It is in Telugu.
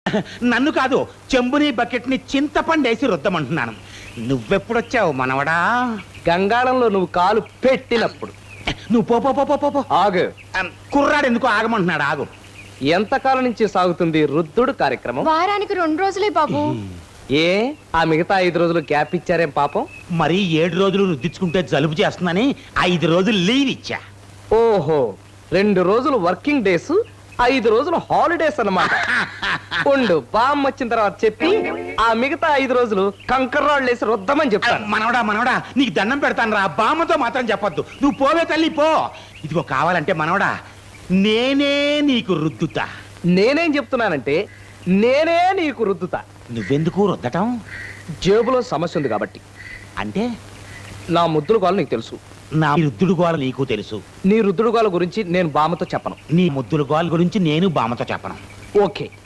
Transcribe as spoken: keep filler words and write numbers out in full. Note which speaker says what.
Speaker 1: నన్ను కాదు, చెంబుని బకెట్ని చింతపండేసి రుద్దమంటున్నాను. నువ్వెప్పుడొచ్చావు మనవడా?
Speaker 2: గంగాళంలో నువ్వు కాలు పెట్టినప్పుడు.
Speaker 1: నువ్వు పో పో పో పో పో.
Speaker 2: ఆగు.
Speaker 1: కుర్రాడు ఎందుకు ఆగమంటున్నాడు? ఆగు.
Speaker 2: ఎంతకాలం నుంచి సాగుతుంది రుద్దుడు కార్యక్రమం?
Speaker 3: వారానికి రెండు రోజులే బాబు.
Speaker 2: ఏ ఆ మిగతా ఐదు రోజులు గ్యాప్ ఇచ్చారేం పాపం?
Speaker 1: మరి ఏడు రోజులు రుద్దించుకుంటే జలుబు చేస్తుందని ఐదు రోజులు లీవ్ ఇచ్చా.
Speaker 2: ఓహో, రెండు రోజులు వర్కింగ్ డేస్, ఐదు రోజులు హాలిడేస్ అన్నమాట. ఉండు, బామ్ వచ్చిన తర్వాత చెప్పి ఆ మిగతా ఐదు రోజులు కంకర్రాళ్ళు వేసి రుద్దమని చెప్తాను.
Speaker 1: మనవడా మనవడా నీకు దండం పెడతాను రా, బామ్మతో మాత్రం చెప్పొద్దు. నువ్వు పోవే తల్లి పో. ఇదిగో కావాలంటే మనవడా నేనే నీకు రుద్దుతా.
Speaker 2: నేనేం చెప్తున్నానంటే నేనే నీకు రుద్దుతా.
Speaker 1: నువ్వెందుకు రుద్దటం?
Speaker 2: జేబులో సమస్య ఉంది కాబట్టి.
Speaker 1: అంటే
Speaker 2: నా ముద్దుల గోల నీకు తెలుసు,
Speaker 1: నా రుద్దుడు గోల నీకు తెలుసు.
Speaker 2: నీ రుద్దుడు గోల గురించి నేను బామ్మతో చెప్పను.
Speaker 1: నీ ముద్దుల గోల గురించి నేను బామ్మతో చెప్పను.
Speaker 2: ఓకే,